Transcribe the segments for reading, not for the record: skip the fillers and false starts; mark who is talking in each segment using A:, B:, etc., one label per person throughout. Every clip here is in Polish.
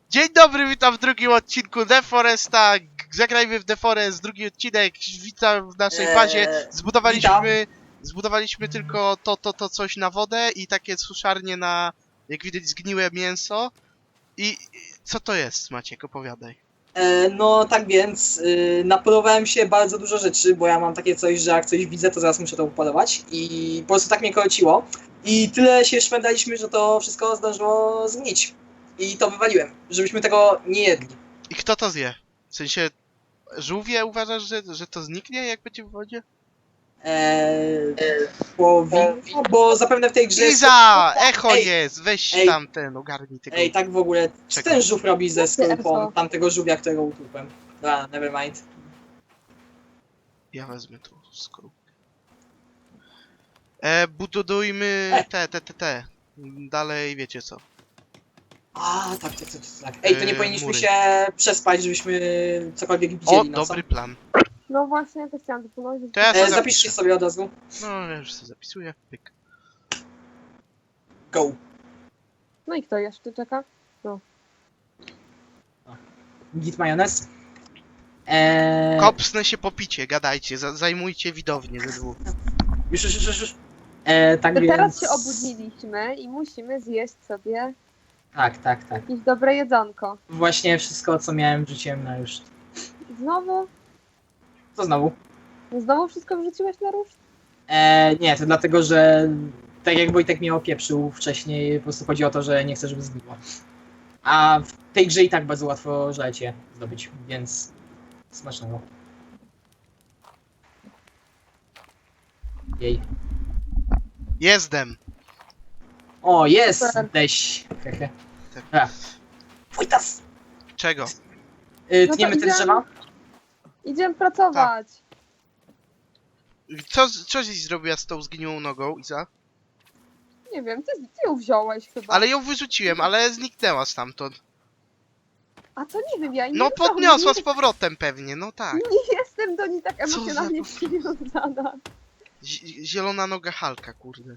A: Dzień dobry, witam w drugim odcinku The Foresta. Zagrajmy w The Forest, drugi odcinek. Witam w naszej bazie. Zbudowaliśmy tylko to coś na wodę i takie suszarnie na, jak widać, zgniłe mięso. I co to jest, Maciek? Opowiadaj.
B: No tak więc napolowałem się bardzo dużo rzeczy, bo ja mam takie coś, że jak coś widzę, to zaraz muszę to upolować i po prostu tak mnie koleciło i tyle się szwendaliśmy, że to wszystko zdążyło zgnić i to wywaliłem, żebyśmy tego nie jedli.
A: I kto to zje? W sensie, żółwie uważasz, że to zniknie, jak będzie w wodzie?
B: Bo zapewne w tej grze
A: Iza! Echo
B: Ej,
A: jest! Weź
B: ej.
A: tam ten, ogarnij tego.
B: Ej, tak w ogóle, co
A: Czekaj.
B: ten żółw robi ze skorupą
C: Echo.
B: tamtego żółwia, którego utłukłem? Dobra, nevermind.
A: Ja wezmę tu skorupkę. Budujmy te. Dalej wiecie co.
B: A, tak. Ej, to nie powinniśmy
A: mury.
B: się przespać, żebyśmy cokolwiek
A: O,
B: widzieli nocą.
A: dobry plan.
C: No właśnie, to chciałam wypłynąć.
A: To ja sobie
B: Zapiszcie
A: zapiszę.
B: sobie od razu.
A: No, ja już sobie zapisuję. Pyk.
B: Go.
C: No i kto jeszcze czeka?
B: Git majonez.
A: Kopsnę się po picie, gadajcie, zajmujcie widownię ze dwóch.
B: Już. Tak
C: To
B: więc...
C: teraz się obudziliśmy i musimy zjeść sobie
B: Tak.
C: jakieś dobre jedzonko.
B: Właśnie wszystko, co miałem, wrzuciłem na już.
C: Znowu?
B: Co znowu?
C: No znowu wszystko wrzuciłeś na ruszt?
B: Nie, to dlatego, że tak jak Wojtek mnie opieprzył wcześniej, po prostu chodzi o to, że nie chcę, żeby zgniło. A w tej grze i tak bardzo łatwo żelecie zdobyć, więc smacznego. Jej.
A: Jestem!
B: O, jest!
C: Super.
B: Deś. Hehe.
A: Tak.
B: Wojtas!
A: Czego?
C: No to
B: Tniemy te
C: idziemy.
B: drzewa?
C: Idziemy pracować.
A: Co żeś zrobiła z tą zgniłą nogą, Iza?
C: Nie wiem, ty ją wziąłeś chyba.
A: Ale ją wyrzuciłem, ale zniknęła stamtąd.
C: A to nie wiem, ja jej
A: No
C: nie wziąłem.
A: podniosła z powrotem pewnie, no tak.
C: Nie jestem do niej tak
A: Co za
C: emocjonalnie
A: to?
C: przywiązana.
A: Zielona noga Halka, kurde.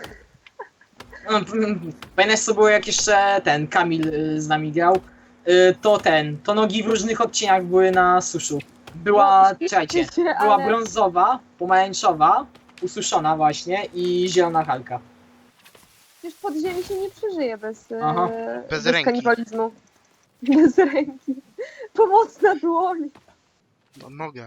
B: Pamiętasz co było jak jeszcze ten Kamil z nami grał? To nogi w różnych odcieniach były na suszu. Była,
C: No,
B: czekajcie,
C: świetnie,
B: była
C: ale-
B: brązowa, pomarańczowa, ususzona właśnie i zielona Halka.
C: Przecież pod ziemi się nie przeżyje bez,
B: Aha.
A: Bez
C: bez
A: ręki.
C: kanibalizmu. Bez ręki. Pomocna dłoń.
A: No, noga.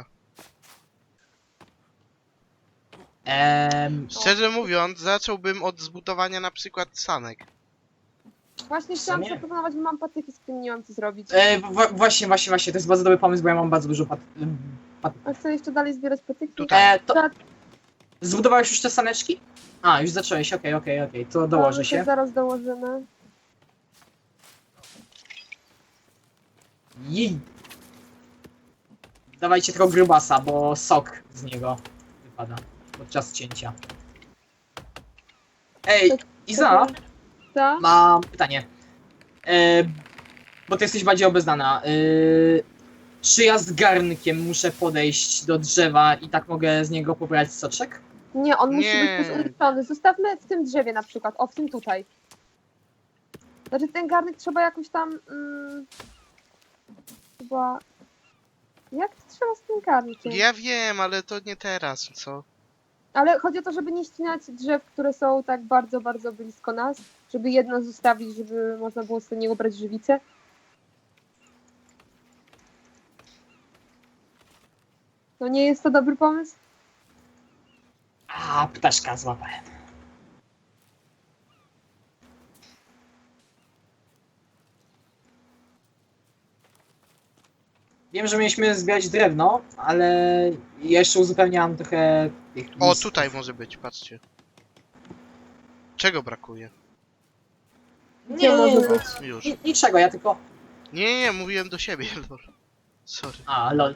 B: Em,
A: Szczerze mówiąc, zacząłbym od zbudowania na przykład sanek.
C: Właśnie
B: W
C: chciałam
B: sumie?
C: zaproponować, bo mam patyki, z którymi nie mam co zrobić.
B: właśnie, to jest bardzo dobry pomysł, bo ja mam bardzo dużo
C: A chcę jeszcze dalej zbierać patyki?
A: Tutaj.
B: to Zbudowałeś już te saneczki? A, już zacząłeś, okej, to dołożę
C: To
B: się.
C: zaraz dołożymy.
B: Jej. Dawajcie tego grubasa, bo sok z niego wypada podczas cięcia. Ej, Iza,
C: Tak?
B: mam pytanie. Bo ty jesteś bardziej obeznana. Czy ja z garnkiem muszę podejść do drzewa i tak mogę z niego pobrać soczek?
C: Nie, on musi
A: Nie.
C: być umieszczony. Zostawmy w tym drzewie na przykład. O, w tym tutaj. Znaczy ten garnek trzeba jakoś tam... chyba... Jak to trzeba z tym garnkiem?
A: Ja wiem, ale to nie teraz, co?
C: Ale chodzi o to, żeby nie ścinać drzew, które są tak bardzo, bardzo blisko nas. Żeby jedno zostawić, żeby można było z niego brać żywicę. No nie jest to dobry pomysł?
B: A, ptaszka złapałem. Wiem, że mieliśmy zbierać drewno, ale ja jeszcze uzupełniałam trochę tych
A: O,
B: listów.
A: tutaj może być, patrzcie. Czego brakuje?
C: Gdzie może być?
A: Już.
B: Niczego, ja tylko...
A: Nie, mówiłem do siebie, lol. Sorry.
B: A, lol.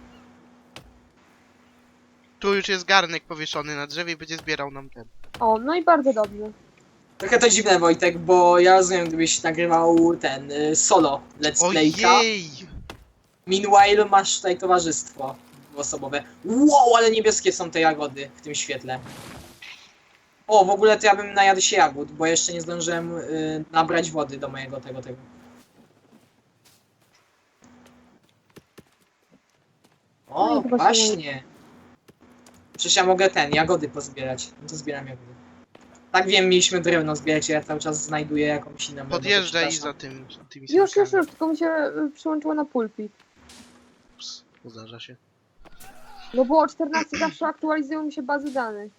A: Tu już jest garnek powieszony na drzewie i będzie zbierał nam ten.
C: O, no i bardzo dobrze.
B: Trochę to dziwne, Wojtek, bo ja rozumiem, gdybyś nagrywał ten solo let's playka.
A: Ojej!
B: Meanwhile masz tutaj towarzystwo dwuosobowe. Wow, ale niebieskie są te jagody w tym świetle. O, w ogóle to ja bym najadł się jagód, bo jeszcze nie zdążyłem nabrać wody do mojego tego. O,
C: No i chyba się
B: właśnie. Przecież ja mogę jagody pozbierać. No to zbieram jagody. Tak wiem, mieliśmy drewno zbierać, ja cały czas znajduję jakąś inną
A: Podjeżdżaj
B: robotę,
A: za
B: przepraszam.
A: tymi
C: Już,
A: sankami.
C: tylko mi się przyłączyło na pulpit.
A: Ups, zdarza się.
C: No było 14, zawsze aktualizują mi się bazy danych.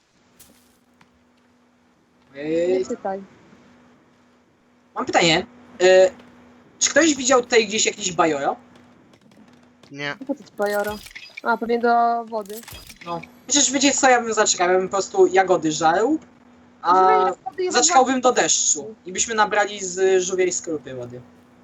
C: Nie czytaj.
B: Mam pytanie. Czy ktoś widział tutaj gdzieś jakiś bajoro?
A: Nie.
C: Po co ci bajoro? A, pewnie do wody.
B: No. Przecież wiecie co ja bym zaczekał? Ja bym po prostu jagody żarł, a
C: Żrenie wody jest
B: zaczekałbym do deszczu i byśmy nabrali z żółwiej skorupy wody.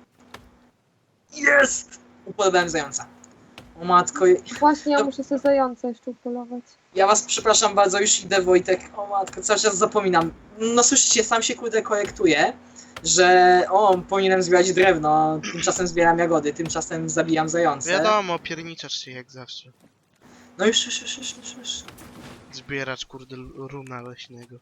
B: Jest! Upolowałem zająca. O matko,
C: Właśnie, ja muszę sobie zająca jeszcze upolować.
B: ja was przepraszam bardzo, już idę Wojtek. O matko, cały czas zapominam. No słyszycie, sam się kurde korektuję, że powinienem zbierać drewno, a tymczasem zbieram jagody, tymczasem zabijam zające.
A: Wiadomo, pierniczasz się jak zawsze.
B: No już.
A: Zbieracz kurde runa leśnego.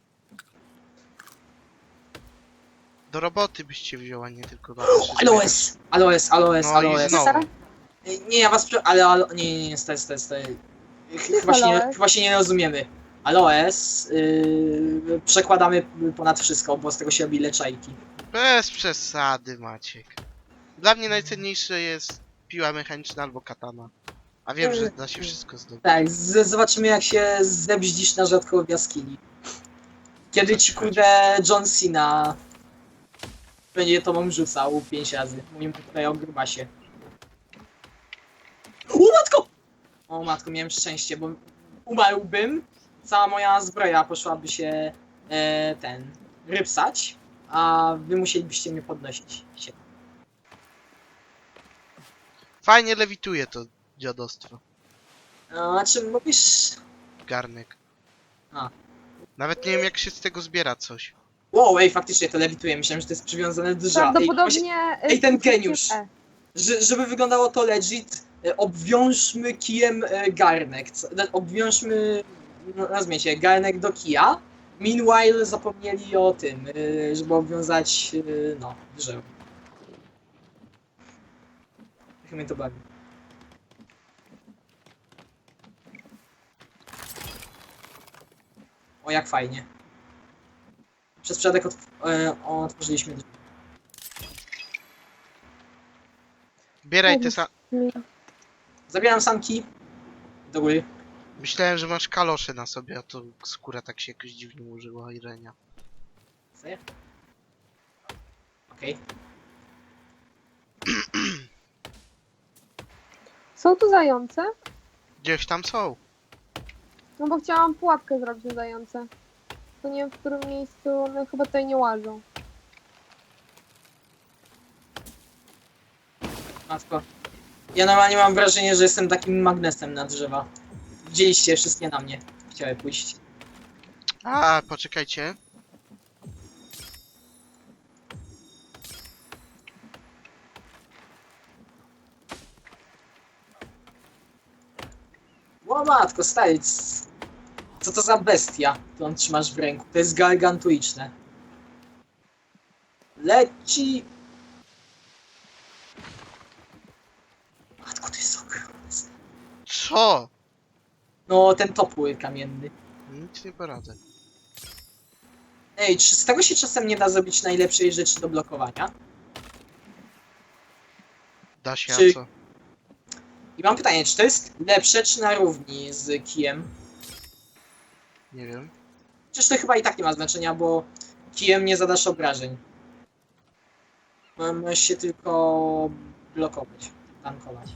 A: Do roboty byście wzięła, nie tylko do
B: Aloes.
A: No i znowu.
B: Nie, ja was ale nie, stary. Chyba się nie rozumiemy. Aloes przekładamy ponad wszystko, bo z tego się robi leczajki.
A: Bez przesady, Maciek. Dla mnie najcenniejsze jest piła mechaniczna albo katana. A wiem, że da się wszystko zdobyć.
B: Tak, zobaczymy jak się zebździsz na rzadko w jaskini. Kiedy ci kurde John Cena będzie tobą rzucał 5 razy. Mówimy tutaj o grubasie. O matko, miałem szczęście, bo umarłbym, cała moja zbroja poszłaby się rypsać, a wy musielibyście mnie podnosić.
A: Fajnie lewituje to dziadostwo.
B: A czy mówisz...
A: Garnek.
B: A.
A: Nawet nie wiem jak się z tego zbiera coś.
B: Wow, ej, faktycznie to lewituje, myślałem, że to jest przywiązane do drzewa.
C: Prawdopodobnie...
B: Ej, ten
C: wpisujcie
B: geniusz.
C: E.
B: Żeby wyglądało to legit, obwiążmy kijem garnek. Obwiążmy, nazwijcie, garnek do kija. Meanwhile zapomnieli o tym, żeby obwiązać, drzewo. Jak mnie to bawi. O, jak fajnie. Przez przypadek otworzyliśmy drzwi.
A: Bieraj te sa...
B: Zabieram sanki. Do góry.
A: Myślałem, że masz kalosze na sobie, a to skóra tak się jakoś dziwnie ułożyła Irenia.
B: Sobie. Okej.
C: Są tu zające?
A: Gdzieś tam są.
C: No bo chciałam pułapkę zrobić na zające. To nie wiem w którym miejscu, one chyba tutaj nie łażą.
B: Matko. Ja normalnie mam wrażenie, że jestem takim magnesem na drzewa. Widzieliście wszystkie na mnie. Chciały pójść.
A: A, poczekajcie.
B: O matko, stary. Co to za bestia, którą trzymasz w ręku? To jest gargantuiczne. Leci. Matko, to jest ogromne.
A: Co?
B: No, ten topór kamienny.
A: Nic nie poradzę.
B: Ej, czy z tego się czasem nie da zrobić najlepszej rzeczy do blokowania?
A: Da się,
B: Czy-
A: a co?
B: I mam pytanie, czy to jest lepsze, czy na równi z kijem?
A: Nie wiem.
B: Przecież to chyba i tak nie ma znaczenia, bo kijem nie zadasz obrażeń. Możesz się tylko blokować, tankować.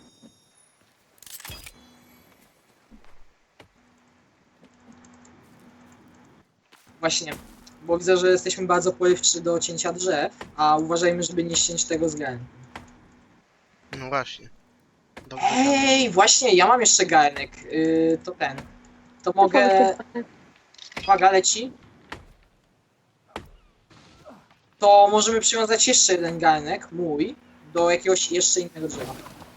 B: Właśnie, bo widzę, że jesteśmy bardzo porywczy do cięcia drzew, a uważajmy, żeby nie ściąć tego z garnku.
A: No właśnie. Dobrze.
B: Ej, właśnie, ja mam jeszcze garnek. To ten. To mogę... Uwaga, leci. To możemy przywiązać jeszcze jeden garnek, mój, do jakiegoś jeszcze innego drzewa.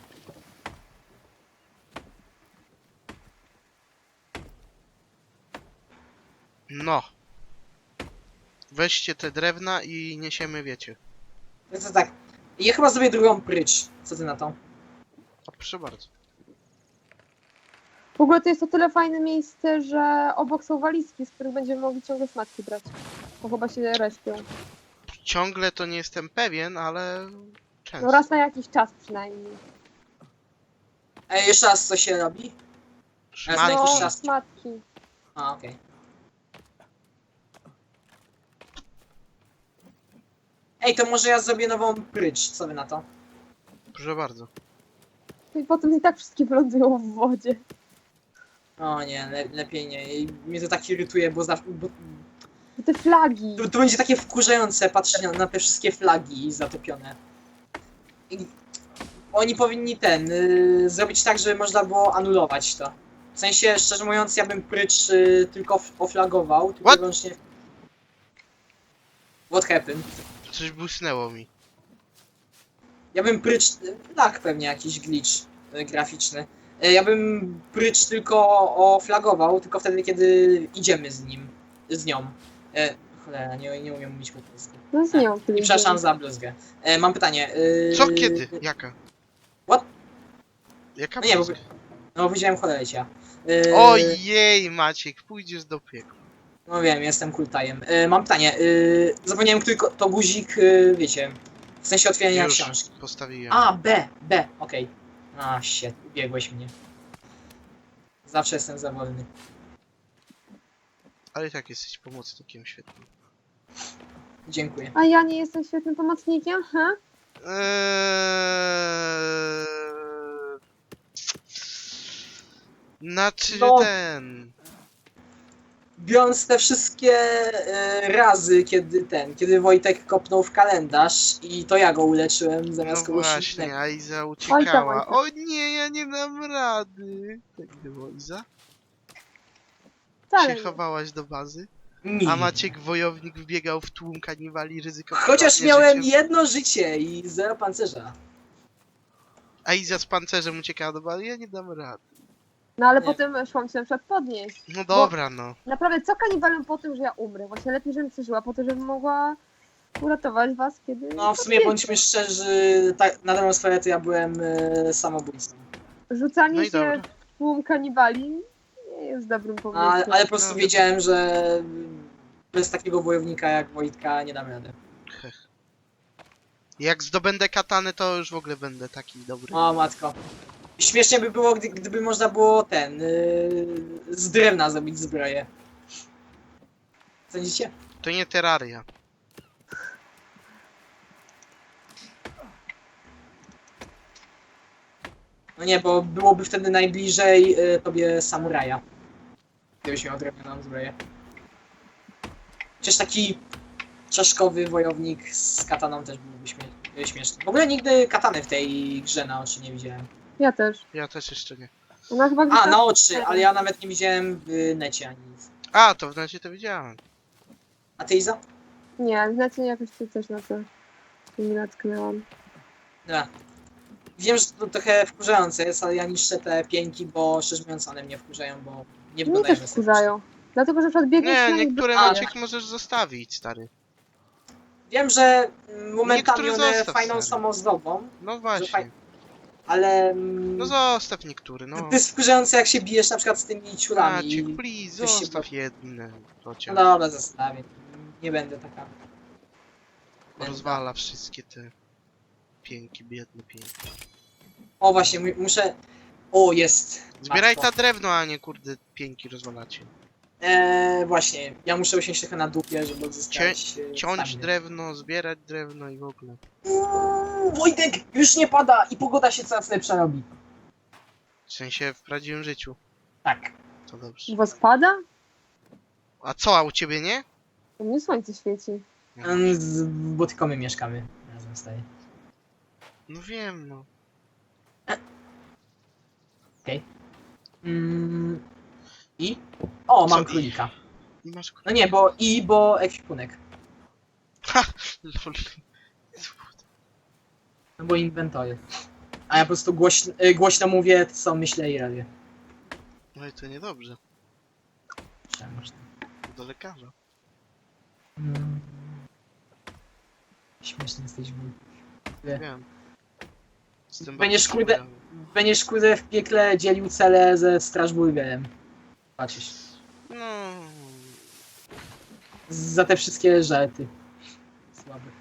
A: No. Weźcie te drewna i niesiemy, wiecie.
B: To tak. Ja chyba zrobię drugą prycz. Co ty na to?
A: O, proszę bardzo.
C: W ogóle to jest o tyle fajne miejsce, że obok są walizki, z których będziemy mogli ciągle szmatki brać. Bo chyba się respią.
A: Ciągle to nie jestem pewien, ale często.
C: No raz na jakiś czas przynajmniej.
B: Ej, jeszcze raz co się robi?
A: Szmatki.
B: jakiś
C: No,
B: czas.
C: szmatki.
B: A, okej. Ej, to może ja zrobię nową prycz, co wy na to?
A: Proszę bardzo.
C: I potem i tak wszystkie wylądują w wodzie.
B: O nie, lepiej nie. I mnie to tak irytuje, bo,
C: I te flagi.
B: to będzie takie wkurzające patrzeć na te wszystkie flagi zatopione. I oni powinni zrobić tak, żeby można było anulować to. W sensie, szczerze mówiąc, ja bym prycz tylko oflagował, tylko
A: What?
B: wyłącznie... What happened?
A: Coś błysnęło mi.
B: Ja bym prycz... Tak, pewnie jakiś glitch graficzny. Ja bym prycz tylko oflagował, tylko wtedy, kiedy idziemy z nim. Z nią. Cholera, nie umiem mówić po polsku.
C: No z nią.
B: I przepraszam za bluzgę. Mam pytanie.
A: Co, kiedy? Jaka?
B: What?
A: Jaka
B: No nie, bo...
A: bluzga?
B: No, powiedziałem cholecia.
A: Ojej, Maciek, pójdziesz do piekła.
B: No wiem, jestem kultajem. Mam pytanie. Zapomniałem, który to guzik, wiecie, w sensie otwierania
A: Już
B: książki.
A: postawiłem.
B: A, B, okej. A, shit, ubiegłeś mnie. Zawsze jestem za wolny.
A: Ale i tak jesteś pomocnikiem świetnym.
B: Dziękuję.
C: A ja nie jestem świetnym pomocnikiem, ha?
A: Znaczy
B: No.
A: ten...
B: Biorąc te wszystkie razy, kiedy Wojtek kopnął w kalendarz i to ja go uleczyłem zamiast
A: No
B: kogoś
A: właśnie,
B: innego.
A: a Iza
C: Oj
A: uciekała.
C: tam.
A: O nie, ja nie dam rady. Tak było, Iza?
C: Wcale
A: Się
C: nie.
A: chowałaś do bazy?
B: Nie.
A: A Maciek wojownik wbiegał w tłum kaniwali, ryzykował
B: Chociaż
A: własne
B: miałem
A: życie.
B: jedno życie i 0 pancerza.
A: A Iza z pancerzem uciekała do bazy? Ja nie dam rady.
C: No ale
B: Nie.
C: potem szłam się na przykład podnieść.
A: No dobra, no.
C: Naprawdę, co kanibalem po tym, że ja umrę? Właśnie lepiej, żebym przeżyła, po to, żebym mogła uratować was, kiedy...
B: No w sumie
C: padniecie.
B: bądźmy szczerzy, tak, na dobrą sprawę to ja byłem samobójcą.
C: Rzucanie
A: No i
C: się
A: dobra.
C: w tłum kanibali nie jest dobrym pomysłem.
B: Ale po prostu
A: No.
B: wiedziałem, że bez takiego wojownika jak Wojtka nie dam rady.
A: Jak zdobędę katanę, to już w ogóle będę taki dobry.
B: O matko. Śmiesznie by było, gdyby można było z drewna zrobić zbroję. Sądzicie?
A: To nie Terraria.
B: No nie, bo byłoby wtedy najbliżej tobie samuraja. Gdybyś miał drewnianą zbroję. Przecież taki czaszkowy wojownik z kataną też byłby śmieszny. W ogóle nigdy katany w tej grze na oczy nie widziałem.
C: Ja też.
A: Ja też jeszcze nie.
C: Ona chyba
B: A,
C: gdzieś tam-
B: na oczy, ale ja nawet nie widziałem w necie ani nic.
A: A, to w razie to widziałem.
B: A ty, Iza?
C: Nie, znacie jakoś tu też na to mi natknęłam.
B: Dobra. Wiem, że to trochę wkurzające jest, ale ja niszczę te pięki, bo szczerze mówiąc one mnie wkurzają, bo nie
C: Mnie
B: wyglądają
C: też wkurzają. Dlatego, że na przykład biegniesz
A: Nie,
C: na nich
A: niektóre
C: bez-
A: Maciek możesz zostawić, stary.
B: Wiem, że momentami
A: Niektóre
B: one
A: zostaw,
B: fajną
A: stary.
B: samozdobą,
A: No
B: faj-
A: właśnie.
B: ale
A: No zostaw niektóry, no.
B: to jest wkurzające jak się bijesz na przykład z tymi ciulami.
A: Maciek, please,
B: coś się
A: zostaw jedne.
B: No
A: Chociaż
B: dobra, zostawię. Nie będę taka.
A: rozwala wszystkie te pięki, biedne pięki.
B: O właśnie, muszę... O, jest.
A: Zbieraj
B: Łatwo.
A: ta drewno, a nie kurde pięki rozwalacie.
B: Właśnie, ja muszę usiąść trochę na dupie, żeby odzyskać...
A: Ciąć
B: staminę.
A: drewno, zbierać drewno i w ogóle.
B: Wojtek, już nie pada i pogoda się coraz lepsza robi.
A: W sensie w prawdziwym życiu.
B: Tak.
A: To dobrze.
C: U was pada?
A: A co, a u ciebie nie?
C: U mnie słońce świeci.
B: Bo tylko my mieszkamy razem z tej.
A: No wiem, no.
B: I? O,
A: Co
B: mam
A: i?
B: królika.
A: Nie masz...
B: No nie, bo ekwipunek.
A: Lol.
B: No bo inwentory. A ja po prostu głośno mówię, co myślę i robię.
A: No i to niedobrze.
B: Czemu?
A: Do lekarza.
B: Śmieszny jesteś, wuj.
A: Wiem. Jestem
B: Będziesz,
A: bardzo
B: kurde-
A: ciekawy.
B: Będziesz kurde w piekle dzielił cele ze Strasburgerem. Patrzysz.
A: No...
B: Za te wszystkie żarty. Słabe.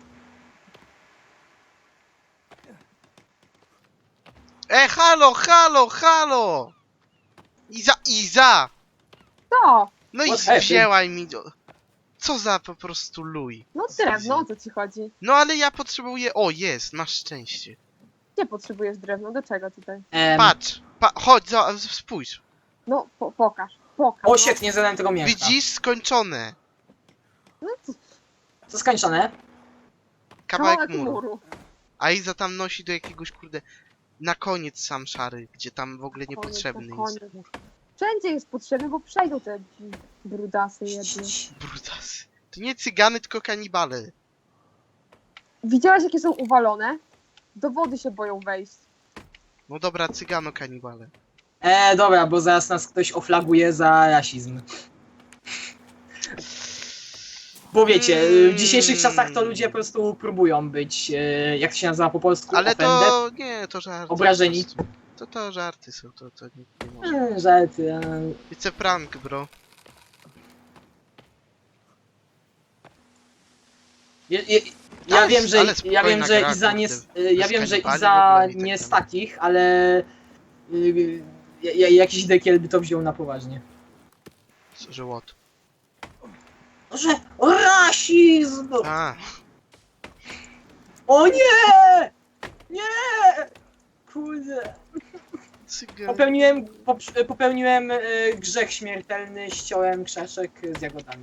A: Halo, halo, halo! Iza!
C: Co?
A: No i
B: What happened?
A: wzięła mi... Co za po prostu luj.
C: No drewno, o co ci chodzi?
A: No ale ja potrzebuję... O, jest, masz szczęście.
C: Gdzie potrzebujesz drewno? Do czego tutaj?
A: Patrz, chodź, spójrz.
C: No, pokaż.
B: O,
C: no.
B: shit, nie zadałem tego mięcha.
A: Widzisz? Skończone.
C: No, co?
B: Co skończone?
A: Kawałek muru. A Iza tam nosi do jakiegoś, kurde... Na koniec sam szary, gdzie tam w ogóle niepotrzebny
C: Koniec,
A: jest.
C: na koniec. Wszędzie jest potrzebny, bo przejdą te brudasy jedne.
A: Brutasy. To nie cygany, tylko kanibale.
C: Widziałeś, jakie są uwalone? Do wody się boją wejść.
A: No dobra, cygano kanibale.
B: Dobra, bo zaraz nas ktoś oflaguje za rasizm. Bo wiecie, w dzisiejszych czasach to ludzie po prostu próbują być, jak to się nazywa po polsku,
A: Ale
B: offended.
A: to... Nie, to żarty.
B: Obrażeni.
A: po prostu. To żarty są, to nie może.
B: Żarty.
A: It's a prank, bro.
B: Ja wiem, że
A: ale
B: ja wiem,
A: spokojna
B: że
A: gra,
B: Iza nie,
A: kurde.
B: ja
A: Bez
B: wiem, że
A: kanibali w
B: Iza
A: ogóle i tak
B: nie z
A: dalej.
B: takich, ale jakiś dekiel by to wziął na poważnie.
A: Że what?
B: Że rasizm!
A: A,
B: O nie! Nie! Kurde.
A: cygan.
B: Popełniłem grzech śmiertelny, ściąłem krzeszek z jagodami.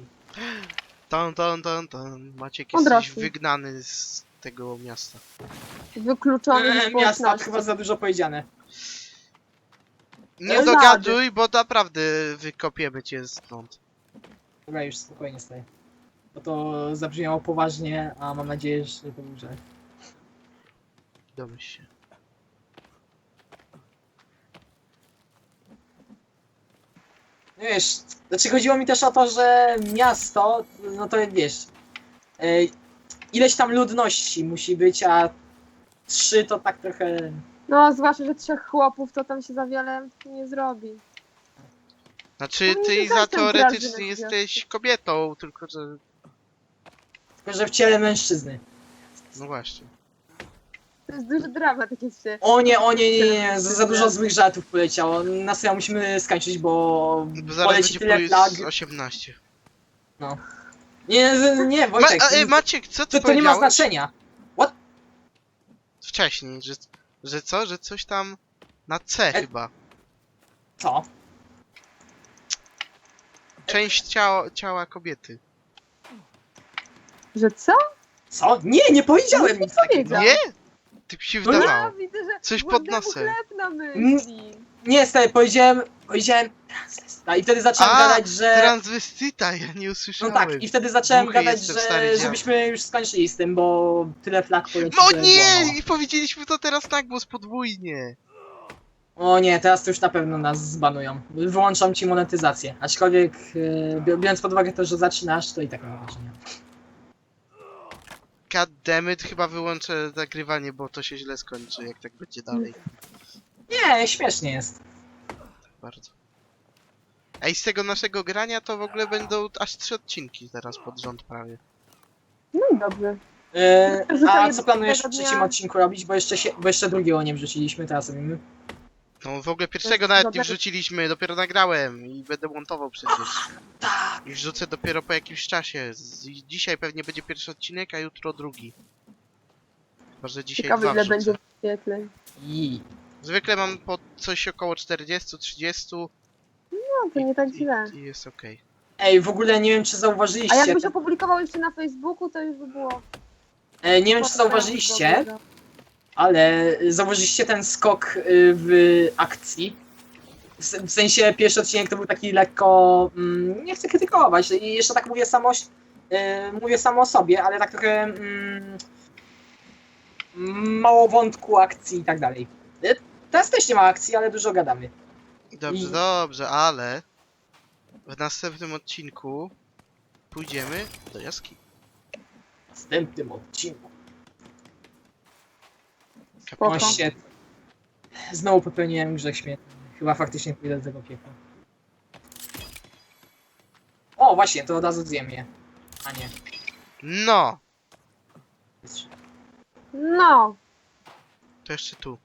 A: Ton. Maciek,
C: On
A: jesteś
C: rośnie.
A: wygnany z tego miasta.
C: Wykluczony z
B: Miasta,
C: społeczności.
B: chyba za dużo powiedziane.
A: Nie
C: Rady.
A: dogaduj, bo naprawdę wykopiemy cię stąd.
B: Dobra, już spokojnie staję. Bo to zabrzmiało poważnie, a mam nadzieję, że to był żart.
A: Domyśl się.
B: Wiesz, znaczy chodziło mi też o to, że miasto, no to wiesz, ileś tam ludności musi być, a 3 to tak trochę...
C: No, zwłaszcza, że 3 chłopów to tam się za wiele nie zrobi.
A: Znaczy,
C: No
A: ty
C: nie
A: Iza
C: zostań
A: teoretycznie
C: drażny,
A: jesteś kobietą, tylko że...
B: Tylko, że w ciele mężczyzny.
A: No właśnie.
C: To jest duży dramat, takie się.
B: O nie, za dużo złych żartów poleciało. Na serio musimy skończyć, bo
A: Bo zaraz
B: poleci
A: będzie
B: tyle flag.
A: 18.
B: Nie, Wojtek,
A: Maciek, co ty
B: to nie ma
A: powiedziałeś
B: znaczenia.
A: wcześniej? Że co? Że coś tam na C chyba.
B: Co?
A: Część ciała kobiety.
C: Że co?
B: Co? Nie powiedziałem nic takiego.
C: powiedział.
A: Nie? Ty mi się
B: No nie.
A: wydawało.
C: Ja widzę, że
A: Coś pod
C: głodnemu
A: nosem.
C: chleb na myśli.
B: Nie, stary, powiedziałem transwestyta i wtedy zacząłem
A: A,
B: gadać, że...
A: Transwestyta, ja nie
B: No
A: usłyszałem.
B: tak, i wtedy zacząłem
A: Głuchy
B: gadać,
A: jestem, stary dziad.
B: żebyśmy już skończyli z tym, bo tyle flag poleciło.
A: No
B: że było
A: nie!
B: mało.
A: I powiedzieliśmy to teraz na głos podwójnie.
B: O nie, teraz to już na pewno nas zbanują. Wyłączam ci monetyzację. Aczkolwiek, biorąc pod uwagę to, że zaczynasz, to i tak nie ma znaczenia.
A: Goddammit, chyba wyłączę nagrywanie, bo to się źle skończy, jak tak będzie dalej.
B: Nie, śmiesznie jest.
A: Bardzo. Ej, z tego naszego grania to w ogóle będą aż 3 odcinki teraz pod rząd prawie.
C: No i dobrze.
B: A co planujesz w
C: jednego
B: trzecim
C: dnia.
B: odcinku robić? Bo jeszcze drugiego nie wrzuciliśmy, teraz robimy.
A: No w ogóle pierwszego
C: jest
A: nawet nie
C: dobre.
A: wrzuciliśmy, dopiero nagrałem i będę montował przecież.
B: Tak.
A: I wrzucę dopiero po jakimś czasie. Dzisiaj pewnie będzie pierwszy odcinek, a jutro drugi. Chyba, że dzisiaj
C: Ciekawe,
A: dwa
C: ile
A: wrzucę.
C: będzie wyświetleń.
B: I...
A: Zwykle mam po coś około 40-30
C: No, to nie tak źle.
A: i jest okej.
B: Ej, w ogóle nie wiem, czy
C: A
B: zauważyliście...
C: jakbyś opublikował jeszcze na Facebooku, to już by było...
B: Nie wiem, czy zauważyliście, ale zauważyliście ten skok w akcji. W sensie pierwszy odcinek to był taki lekko... nie chcę krytykować i jeszcze tak mówię samo o sobie, ale tak trochę mało wątku akcji i tak dalej. Teraz też nie ma akcji, ale dużo gadamy.
A: Dobrze,
B: I-
A: dobrze, ale w następnym odcinku pójdziemy do jaskini.
B: W następnym odcinku.
C: Spoko.
B: O, shit. Znowu popełniłem grzech śmiertelny. Chyba faktycznie pójdę do tego piekła. O, właśnie, to od razu zjem je. A nie.
A: No!
C: No,
A: To jeszcze tu.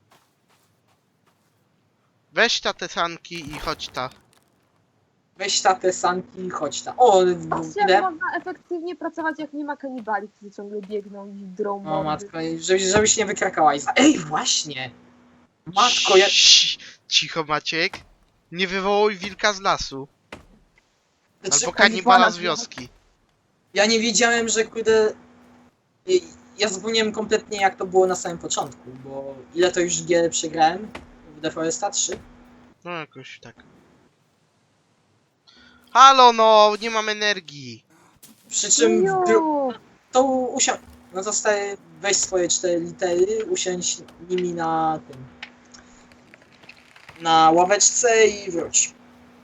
A: Weź te sanki i chodź ta.
B: Weź ta te sanki, chodź ta. O,
C: patrzcie, jak
B: ile?
C: można efektywnie pracować, jak nie ma kanibali, którzy ciągle biegną i drą
B: O
C: mordy.
B: matko, żebyś nie wykrakała. Ej, właśnie! Matko, ja...
A: Cicho, Maciek. Nie wywołuj wilka z lasu.
B: Znaczy,
A: Albo kanibala z wioski.
B: Ja nie wiedziałem, że kurde... Ja zapomniałem kompletnie jak to było na samym początku, bo ile to już gier przegrałem w The Foresta 3?
A: No jakoś tak. Halo no, nie mam energii.
B: Przy czym
C: Ju,
B: to no to stary, weź swoje 4 litery, usiądź nimi na tym... na ławeczce i wróć.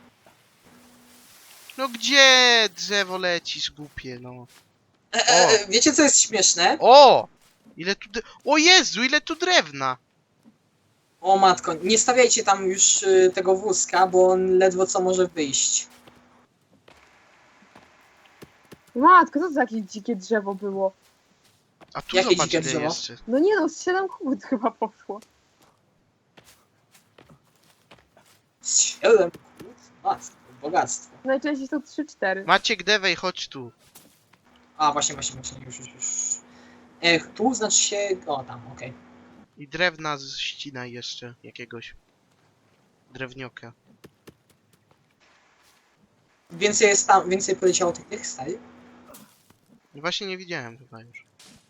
A: No gdzie drzewo lecisz, głupie, no.
B: Wiecie co jest śmieszne?
A: O! Ile tu O Jezu, ile tu drewna!
B: O matko, nie stawiajcie tam już tego wózka, bo on ledwo co może wyjść.
C: matko, co to za jakieś dzikie drzewo było?
A: A tu
B: Jakie
A: zobacz
B: dzikie
A: ile
B: drzewo?
A: jeszcze.
C: No nie no, z 7 kłód chyba poszło.
B: 7 kłód? Matko, bogactwo.
C: Najczęściej są 3-4.
A: Maciek, Dewej, chodź tu.
B: A, właśnie, już. Tu znaczy się... O, tam, okej.
A: I drewna ścinaj jeszcze jakiegoś. Drewnioka.
B: Więcej poleciało tych stary?
A: Właśnie nie widziałem chyba już.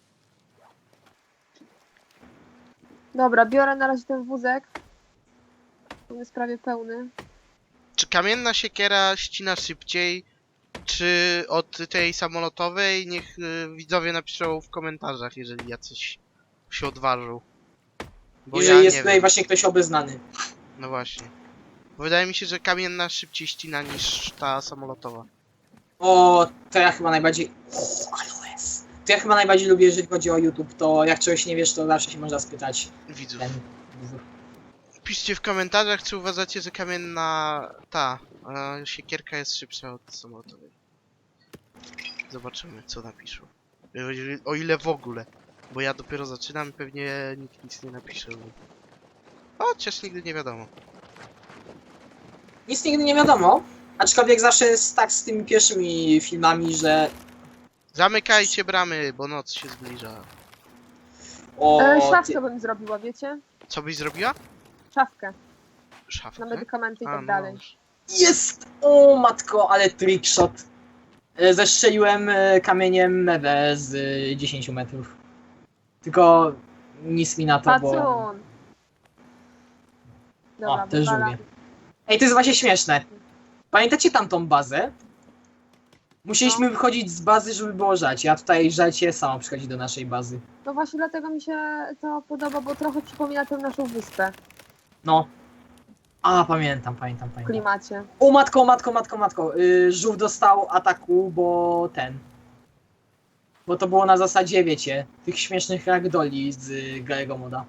C: Dobra, biorę na razie ten wózek. On jest prawie pełny.
A: Czy kamienna siekiera ścina szybciej, czy od tej samolotowej? Niech widzowie napiszą w komentarzach, jeżeli jacyś się odważą. Bo
B: Jeżeli
A: ja
B: jest
A: nie
B: tutaj
A: wiem.
B: właśnie ktoś obeznany.
A: No właśnie. Wydaje mi się, że kamienna szybciej ścina niż ta samolotowa.
B: O, to ja chyba najbardziej... O, aloes. To ja chyba najbardziej lubię, jeżeli chodzi o YouTube, to jak czegoś nie wiesz, to zawsze się można spytać
A: Widzów.
B: ten...
A: Piszcie w komentarzach, czy uważacie, że kamienna siekierka jest szybsza od samolotowej. Zobaczymy, co napiszą. O ile w ogóle. Bo ja dopiero zaczynam, pewnie nikt nic nie napisze. Chociaż nigdy nie wiadomo.
B: Nic nigdy nie wiadomo, aczkolwiek zawsze jest tak z tymi pierwszymi filmami, że...
A: Zamykajcie bramy, bo noc się zbliża.
B: O,
C: Szafkę bym zrobiła, wiecie?
A: Co byś zrobiła?
C: Szafkę
A: Szafkę?
C: na medykamenty i
A: A,
C: tak
A: no
C: dalej.
A: dobrze.
B: Jest! O matko, ale trickshot. Zestrzeliłem kamieniem mewę z 10 metrów. Tylko nic mi na to, bo...
C: Pacun! Dobra,
B: O, też
C: wywala.
B: lubię. Ej, to jest właśnie śmieszne. Pamiętacie tamtą bazę? Musieliśmy wychodzić z bazy, żeby było żarcie, a tutaj żarcie samo przychodzi do naszej bazy.
C: No właśnie dlatego mi się to podoba, bo trochę przypomina tę naszą wyspę
B: No. A, pamiętam.
C: w klimacie.
B: O matko. Żółw dostał ataku, bo Bo to było na zasadzie, wiecie, tych śmiesznych ragdoli z Garego Moda.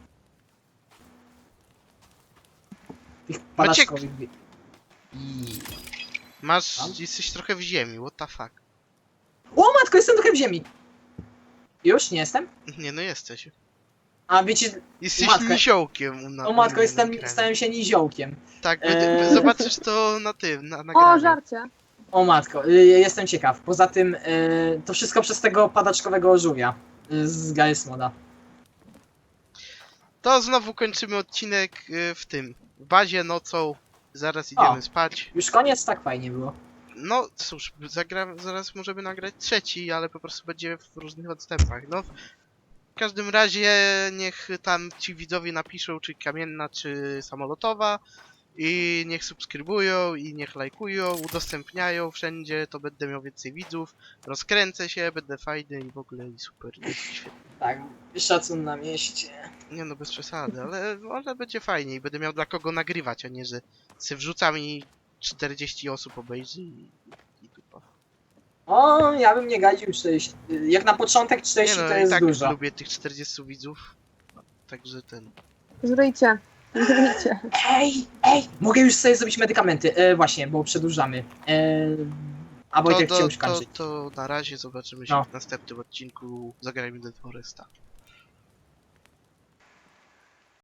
B: Tych padaczkowych... I...
A: Masz,
B: Tam?
A: jesteś trochę w ziemi, what the fuck.
B: O matko, jestem trochę w ziemi! Już? Nie jestem?
A: Nie no jesteś.
B: A wiecie...
A: Jesteś
B: matko.
A: niziołkiem.
B: O matko, stałem się niziołkiem.
A: Tak, zobaczysz to na tym, na
C: O,
A: nagraniu.
C: żarcie!
B: O matko, jestem ciekaw. Poza tym, to wszystko przez tego padaczkowego żółwia z Garry's Moda.
A: To znowu kończymy odcinek w bazie nocą. Zaraz idziemy spać.
B: Już koniec? Tak fajnie było.
A: No cóż, zaraz możemy nagrać trzeci, ale po prostu będzie w różnych odstępach. No, w każdym razie niech tam ci widzowie napiszą, czy kamienna, czy samolotowa. I niech subskrybują, i niech lajkują, udostępniają wszędzie, to będę miał więcej widzów. Rozkręcę się, będę fajny i w ogóle i super. Świetnie.
B: Tak, szacun na mieście.
A: Nie no, bez przesady, ale będzie fajnie i będę miał dla kogo nagrywać, a nie, że se wrzucam i 40 osób obejrzy i dupa.
B: O, ja bym nie gadził 40. Jak na początek 40
A: Nie no,
B: to
A: i
B: jest
A: tak
B: dużo.
A: lubię tych 40 widzów, także ten...
C: Żryjcie. Żryjcie.
B: Ej, mogę już sobie zrobić medykamenty. Właśnie, bo przedłużamy. A Wojtek chciał już kończyć.
A: To na razie zobaczymy się
B: No.
A: w następnym odcinku Zagrajmy do Foresta.